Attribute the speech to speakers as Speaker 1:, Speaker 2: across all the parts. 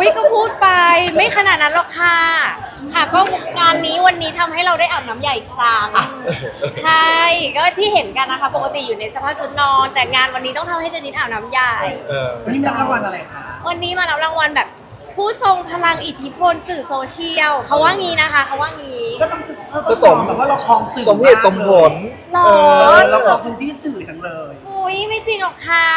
Speaker 1: ยก็พูดไปไม่ขนาดนั้นหรอกค่ะค่ะก็งานนี้วันนี้ทำให้เราได้อาบน้ำใหญ่ครั้งใช่ก็ที่เห็นกันนะคะปกติอยู่ในสภาพชุดนอนแต่งานวันนี้ต้องทำให้เจนิดอาบน้ำใหญ่
Speaker 2: วันนี้รับรางวัลอะไรคะ
Speaker 1: วันนี้มารับรางวัลแบบผู้ทรงพลังอิทธิพลสื่อโซเชียลเขาว่างี้นะคะเขาว่างี้
Speaker 2: ก็ต้องสมแบบว่าเราคลองสื่อ
Speaker 3: สมเหตุสมผล
Speaker 1: หรอ
Speaker 2: เราคลองพื้นที่สื่อจังเลย
Speaker 1: อุ้ยไม่จริงหรอกค่ะ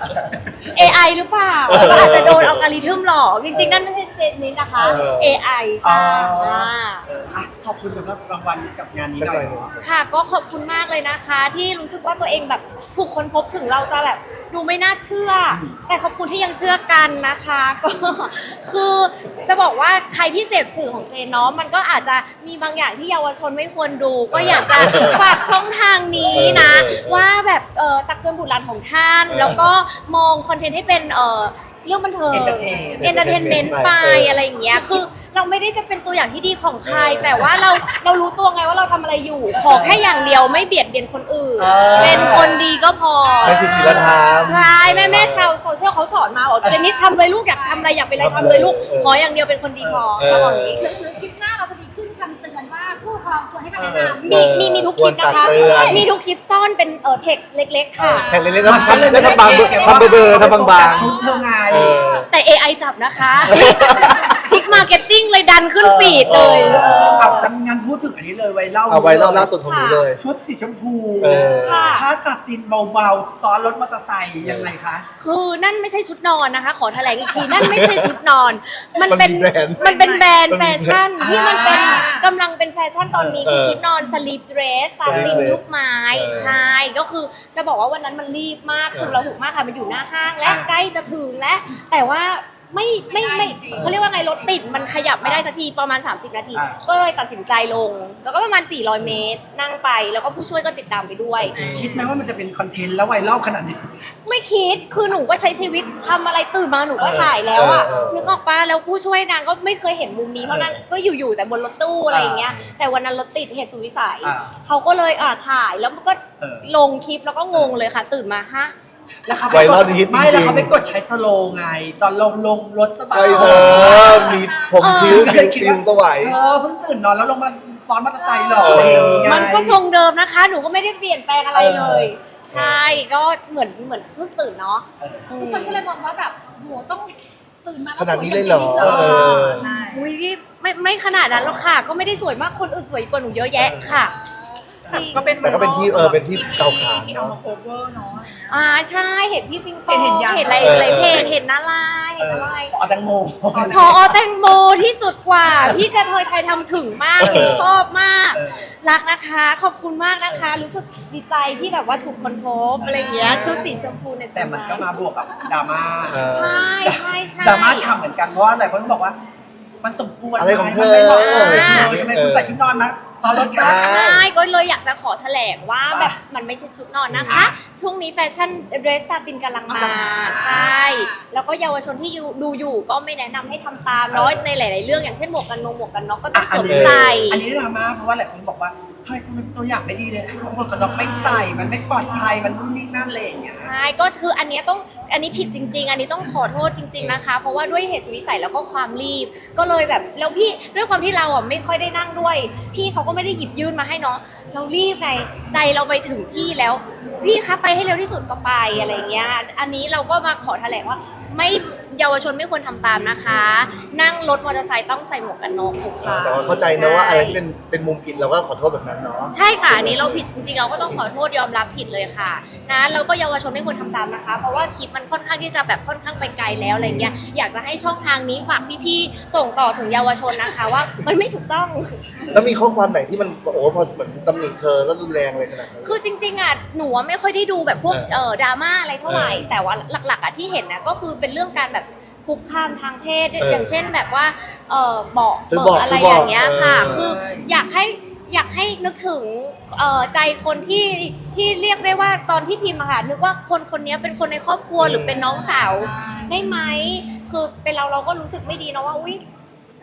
Speaker 1: AI หรือเปล่าก็อาจจะโดนอัลกอริทึมหลอกจริงๆนั่นไม่ใช่เจนนี้นะคะ AI ค่ะ
Speaker 2: ขอบคุณสำหรับรางวัลกับงานนี้หน่อย
Speaker 1: ค่ะก็ขอบคุณมากเลยนะคะ ที่รู้สึกว่าตัวเองแบบถูกค้นพบถึงเราจะแบบดูไม่น่าเชื่อ แต่ขอบคุณที่ยังเชื่อกันนะคะก็คือจะบอกว่าใครที่เสพสื่อของเจนเนาะมันก็อาจจะมีบางอย่างที่เยาวชนไม่ควรดู ก็อยากจะฝากช่องทางนี้นะว่าแบบตักเตือนบุตรหลานของท่าน แล้วก็มองคอนเทนต์ให้เป็นเรื่องบันเทิง entertainment ไปอะไรอย่างเงี้ยคือเราไม่ได้จะเป็นตัวอย่างที่ดีของใคร แต่ว่าเรารู้ตัวไงว่าเราทำอะไรอยู่ ขอแค่อย่างเดียวไม่เบียดเบียนคนอื่น เป็นคนดีก็พอ
Speaker 3: ไม่ผิดศีลธรรม
Speaker 1: ใช่แม่ชาวโซเชียลเขาสอนมาบอกเจนนี่ทำเลยลูกอยากทำอะไรอยากเป็นอะไรทำเลยลูกขออย่างเดียวเป็นคนดีพอเขาบอกอย่างนี้
Speaker 4: หรือคลิปหน้าเราจะมีขึ้นคำเตือนว่าผู้ปกครองควรให้คำแนะนำ
Speaker 1: มีทุกคลิปนะคะ
Speaker 3: ควรตักเตือน
Speaker 1: มีทุกคลิปซ่อนเป็นเท็กซ์เล็กๆค่ะ
Speaker 3: แผ่นเล็กๆแล้วทำแล้วทำบางทำเบอร์ทำบาง
Speaker 2: ชุดเธอไง
Speaker 1: แต่ AI จับนะคะ ทิกมาร์เก็ตติ้งเลยดันขึ้นฟีดเลย
Speaker 2: เอางานพูดถึงอันนี้เลยไวรัล
Speaker 3: เอาไว้รอบล่าสุดของหนูเลย
Speaker 2: ชุดสีชมพู
Speaker 1: ค่ะ
Speaker 2: ผ้าสัตินเบาๆซ้อนรถมอเตอร์ไซค์ยังไงคะ
Speaker 1: คือนั่นไม่ใช่ชุดนอนนะคะ ขอแถลงอีกที นั่นไม่ใช่ชุดนอน มัน
Speaker 3: มันเป็นแบรนด์
Speaker 1: มันเป็นแบรนด์แฟชั่น
Speaker 2: อ่า
Speaker 1: ที่มันเป็นกำลังเป็นแฟชั่นตอนนี้คือชุดนอนสลีปเดรสซาตินลูกไม้ใช่ก็คือจะบอกว่าวันนั้นมันรีบมากชุลมุนมากค่ะมันอยู่หน้าห้างและใกล้จะถึงและแต่ว่าไม่เขาเรียกว่าไงรถติดมันขยับไม่ได้สักทีประมาณ30 นาที ก็เลยตัดสินใจลง แล้วก็ประมาณ400 เมตรนั่งไปแล้วก็ผู้ช่วยก็ติดตามไปด้วย
Speaker 2: คิดไหมว่ามันจะเป็นคอนเทนต์แล้วไวรัลขนาดนี้
Speaker 1: ไม่คิด คือหนูก็ใช้ชีวิตทำอะไรตื่นมาหนูก็ถ่ายแล้วอ่ะ นึกออกปะแล้วผู้ช่วยนางก็ไม่เคยเห็นมุมนี้เพราะนั้นก็อยู่แต่บนรถตู้อะไรอย่างเงี้ย แต่วันนั้นรถติดเหตุสุดวิสัย เขาก็เลยถ่ายแล้วมันก็ลงคลิปแล้วก็งงเลยค่ะ ตื่นมาฮะ
Speaker 2: แล้วเขา
Speaker 3: ไวรัลฮิตจริงๆ
Speaker 2: ไม่แล้วเขาไปกดใช้สโลว์ไง ตอนลงรถสบาย
Speaker 3: ใช่เธอมีผมคิ้วฟิวสวย
Speaker 2: เพิ่งตื่นนอนแล้วลงมาซ้อนมอเตอร์ไซค์หรอ
Speaker 3: เออ
Speaker 2: อะไรอย่างงี้ไง
Speaker 1: มันก็ทรงเดิมนะคะ หนูก็ไม่ได้เปลี่ยนแปลงอะไรเลย ใช่ ก็เหมือนเพิ่งตื่นเนาะ
Speaker 4: ทุกคนก็เลยมองว่าแบบโหต้องตื่นมา
Speaker 3: ขนาดนี้เลยเหรอ
Speaker 4: ใช่
Speaker 1: อุ้ยไม่ขนาดนั้นหรอกค่ะ ก็ไม่ได้สวยมากคนอื่นสวยกว่าหนูเยอะแยะค่ะจริง
Speaker 5: ก็เป็น
Speaker 3: แต่ก็เป็นที่เป็นที่เกาขาน
Speaker 5: ที่เอา
Speaker 3: เนาะ
Speaker 5: มาโคเวอร์เนาะ
Speaker 1: ใช่เห็นพี่ปิงปอง
Speaker 5: เห็นยัง
Speaker 1: เห็นอะไรเพจเห็นอะไรเห็นอะไร
Speaker 2: เอาแตงโม
Speaker 1: พอแตงโมที่สุดกว่า พี่กระเทยไทยทำถึงมากหนูชอบมาก รักนะคะ ขอบคุณมากนะคะ รู้สึกดีใจที่แบบว่าถูกคนพบอะไรอย่างเงี้ยชุดสีชมพูใน
Speaker 2: แต่มันก็มาบวกกับดราม่า
Speaker 1: ใช่
Speaker 2: ดราม่าฉ่ำเหมือนกันเพราะว่าหลายคนก็บอกว่า มันสมควร
Speaker 3: อะไรของเธอ
Speaker 2: มันไม่เหมาะสมเลยทำไมคุณใส่ชุดนอนมาตอนรถกัน
Speaker 1: ใช่ก็เลยอยากจะขอแถลงว่าแบบมันไม่ใช่ชุดนอนนะคะ ช่วงนี้แฟชั่นเดรสซาตินกำลังมาใช่ แล้วก็เยาวชนที่ดูอยู่ก็ไม่แนะนำให้ทำตามเนาะในหลาย ๆ เรื่องอย่างเช่นหมวกกันน็อกก็ต้องสวมใส่
Speaker 2: อันนี้ดราม่าเพราะว่าหลายคนบอกว่าทำไมคุณเป็นตัวอย่างไม่ดีเลยคือหมวกกันน็อกไม่ใส่มันไม่ปลอดภัยมันนู่นนี่นั่นอะไรอย่างเงี้ย
Speaker 1: ใช่ก็คืออันนี้ผิดจริง ๆ อันนี้ต้องขอโทษจริง ๆนะคะ เพราะว่าด้วยเหตุสุดวิสัยแล้วก็ความรีบ ก็เลยแบบแล้วพี่ด้วยความที่เราอ่ะไม่ค่อยได้นั่งด้วย พี่เขาก็ไม่ได้หยิบยื่นมาให้เนาะเรารีบไงใจเราไปถึงที่แล้ว พี่คะไปให้เร็วที่สุดก็ไปอะไรเงี้ยอันนี้เราก็มาขอแถลงว่าไม่เยาวชนไม่ควรทำตามนะคะ นั่งรถมอเตอร์ไซค์ต้องใส่หมวกกันน็อกทุกครั้ง
Speaker 3: แต่ว่าเข้าใจนะว่าอะไรที่เป็นมุมผิดเราก็ขอโทษแบบนั้นเนาะ
Speaker 1: ใช่ค่ะอันนี้เราผิดจริงๆเราก็ต้องขอโทษยอมรับผิดเลยค่ะนะเราก็เยาวชนไม่ควรทำตามนะคะ เพราะว่าคลิปมันค่อนข้างที่จะแบบค่อนข้างไปไกลแล้วอะไรเงี้ยอยากจะให้ช่องทางนี้ฝากพี่ๆส่งต่อถึงเยาวชนนะคะว่ามันไม่ถูกต้อง
Speaker 3: แล้วมีข้อความไหนที่มันโอ้พอเหมือนตำหนิเธอแล้วรุนแรงเลยขนาดนั้น
Speaker 1: คือจริงๆอ่ะหนูไม่ค่อยได้ดูแบบพวกดราม่าอะไรเท่าไหร่แต่ว่าหลักๆอ่ะที่เห็นนะก็คือเป็นเรื่องการแบบคุกคามทางเพศอย่างเช่นแบบว่าบอกอะไรอย่างเงี้ยค่ะคืออยากให้นึกถึงใจคนที่เรียกได้ว่าตอนที่พิมพ์อะค่ะนึกว่าคนนี้เป็นคนในครอบครัวหรือเป็นน้องสาวได้ไหมคือเป็นเราก็รู้สึกไม่ดีนะว่าอุ้ย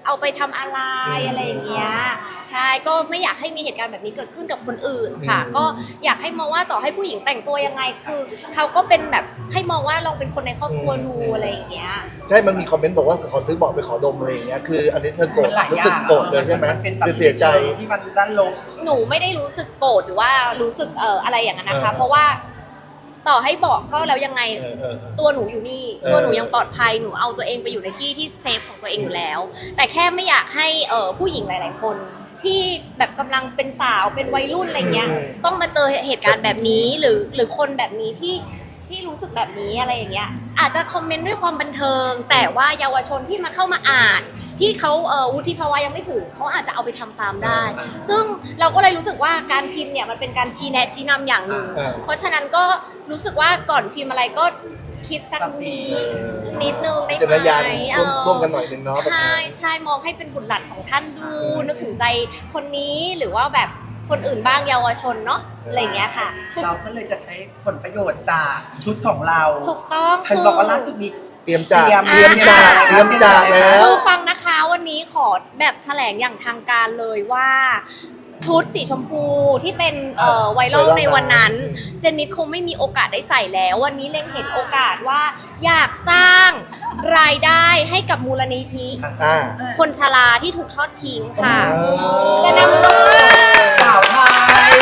Speaker 1: เอาไปทำอะไรอะไรอย่างเงี้ยใช่ก็ไม่อยากให้มีเหตุการณ์แบบนี้เกิดขึ้นกับคนอื่นค่ะ ก็อยากให้มองว่าต่อให้ผู้หญิงแต่งตัวยังไงคือเขาก็เป็นแบบให้มองว่าเราเป็นคนในครอบครัวดูอะไรอย่างเงี้ย
Speaker 3: ใช่มันมีคอมเมนต์บอกว่าขอซื้อบอกไปขอดมอะไรอย่างเงี้ยคืออันนี้เธอโกรธ
Speaker 2: มันหลาย
Speaker 3: รู้
Speaker 2: อย่า
Speaker 3: สึก
Speaker 2: ง
Speaker 3: โกรธเลยใช่ไหม
Speaker 2: นเป็นแบบ
Speaker 3: คือเสียใจ
Speaker 2: ที่มันด้านลบ
Speaker 1: หนูไม่ได้รู้สึกโกรธหรือว่ารู้สึกอะไรอย่างนั้นนะคะ
Speaker 3: เออ
Speaker 1: เพราะว่าต่อให้บอกก็แล้วยังไง
Speaker 3: เออ
Speaker 1: ตัวหนูอยู่นี่ ตัวหนูยังปลอดภัยหนูเอาตัวเองไปอยู่ในที่ที่เซฟของตัวเองอยู่แล้ว แต่แค่ไม่อยากให้ผู้หญิงหลาย ๆ คน ที่แบบกำลังเป็นสาวเป็นวัยรุ่นอะไรเงี้ยต้องมาเจอเหตุการณ์แบบนี้หรือคนแบบนี้ที่รู้สึกแบบนี้อะไรอย่างเงี้ยอาจจะคอมเมนต์ด้วยความบันเทิง แต่ว่าเยาวชนที่มาเข้ามาอ่าน ที่เขาวุฒิภาวะยังไม่ถึงเขาอาจจะเอาไปทำตามได้ ซึ่งเราก็เลยรู้สึกว่าการพิมพ์เนี่ยมันเป็นการชี้แนะชี้นำอย่างหนึ่ง เพราะฉะนั้นก็รู้สึกว่าก่อนพิมพ์อะไรก็คิดสักนิดนึงได้
Speaker 3: จริญญาณ
Speaker 1: ไหม
Speaker 3: ร่วมกันหน่อยนึงเนาะ
Speaker 1: ใช่ใช่มองให้เป็นบุตรหลานของท่านดู นึกถึงใจคนนี้หรือว่าแบบคนอื่นบ้างเยาวชนเนาะอะไรอย่างเงี้ยค่ะ
Speaker 2: เราก็เลยจะใช้ผลประโยชน์จากชุดของเรา
Speaker 1: ถูกต้อง
Speaker 2: เห็นบอกว่าล่าสุดมี
Speaker 3: เตรียมจาก
Speaker 2: เตรียม
Speaker 3: เตรียมจากแล้ว
Speaker 1: คือฟังนะคะวันนี้ขอแบบแถลงอย่างทางการเลยว่า ชุดสีชมพูที่เป็นไวรัลในวันนั้นเจนนิดคงไม่มีโอกาสได้ใส่แล้ว วันนี้เล็งเห็นโอกาสว่าอยากสร้างรายได้ให้กับมูลนิธิ
Speaker 3: อ่า
Speaker 1: คนชราที่ถูกทอดทิ้งค่ะ
Speaker 3: อ๋อ
Speaker 1: จะนำเงิน
Speaker 2: สาวไทย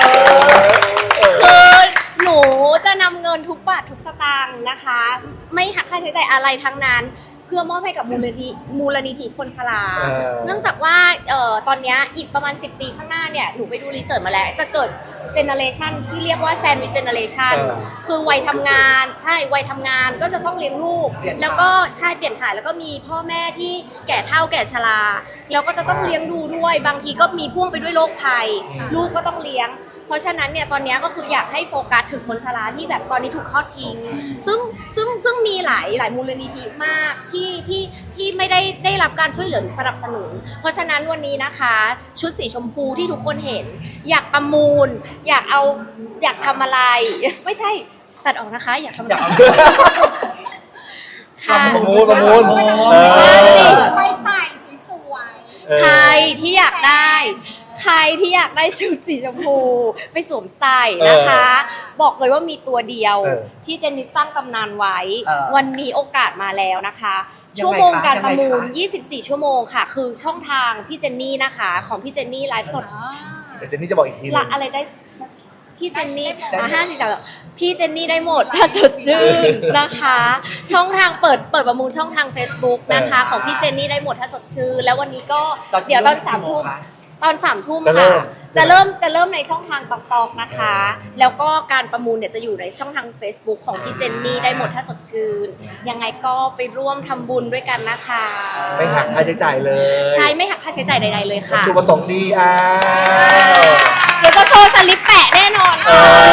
Speaker 1: คือหนูจะนำเงินทุกบาททุกสตางค์นะคะ ไม่หักค่าใช้จ่ายอะไรทั้งนั้น เพื่อมอบให้กับมูลนิธิคนชรา เนื่องจากว่าตอนเนี้ยอีกประมาณ10 ปีข้างหน้าเนี่ยหนูไปดูรีเสิร์ชมาแล้ว จะเกิดเจเนอเรชันที่เรียกว่าแซนด์วิชเจเนอเรชันคือวัยทำงานใช่วัยทำงานก็จะต้องเลี้ยงลูก แล้วก็ใช่เปลี่ยนถ่ายแล้วก็มีพ่อแม่ที่แก่เฒ่าแก่ชราแล้วก็จะต้องเลี้ยงดูด้วยบางทีก็มีพ่วงไปด้วยโรคภัย ลูกก็ต้องเลี้ยง เพราะฉะนั้นเนี่ยตอนนี้ก็คืออยากให้โฟกัสถึงคนชราที่แบบตอนนี้ถูกทอดทิ้งซึ่งมีหลายมูลนิธิมากที่ไม่ได้รับการช่วยเหลือหรือสนับสนุน เพราะฉะนั้นวันนี้นะคะชุดสีชมพูที่ทุกคนเห็น อยากประมูล อยากทำอะไร ไม่ใช่ตัดออกนะคะ อยากทำอะไรค่ะ
Speaker 3: ประมูล
Speaker 4: ไปใส่สวย
Speaker 1: ใครที่อยากได้ชุดสีชมพูไปสวมใส่นะคะ บอกเลยว่ามีตัวเดียวที่เจนนิสสร้างตำนานไว้ วันนี้โอกาสมาแล้วนะคะ ชั่วโมงการประมูล 24 ชั่วโมงค่ะ คือช่องทางพี่เจนนี่นะคะ ของพี่เจนนี่ไลฟ์สด
Speaker 3: เดี๋ยวเจนนี่จะบอกอีกทีนึ
Speaker 1: ละ
Speaker 3: ง
Speaker 1: อะไรได้พี่เจนนี่พี่เจนนี่ได้หมดถ้าสดชื่นนะคะ ช่องทางเปิดประมูลช่องทาง Facebook นะคะ ของพี่เจนนี่ได้หมดถ้าสดชื่นแล้ววันนี้ก็เดี๋ยวตอน3 ทุ่มค่ะจะเริ่มในช่องทางตอกๆนะคะ แล้วก็การประมูลเนี่ยจะอยู่ในช่องทาง Facebook ของพี่เจนนี่ได้หมดถ้าสดชื่นยังไงก็ไปร่วมทำบุญด้วยกันนะคะ
Speaker 3: ไม่หักค่าใช้จ่ายเลย
Speaker 1: ใช่ไม่หักค่าใช้จ่ายใดๆเลยค่ะ
Speaker 3: วัตถุประสงค์ดี
Speaker 1: เดี๋ยวจะโชว์สลิปแปะแน่นอน
Speaker 3: เอ
Speaker 1: ค่ะ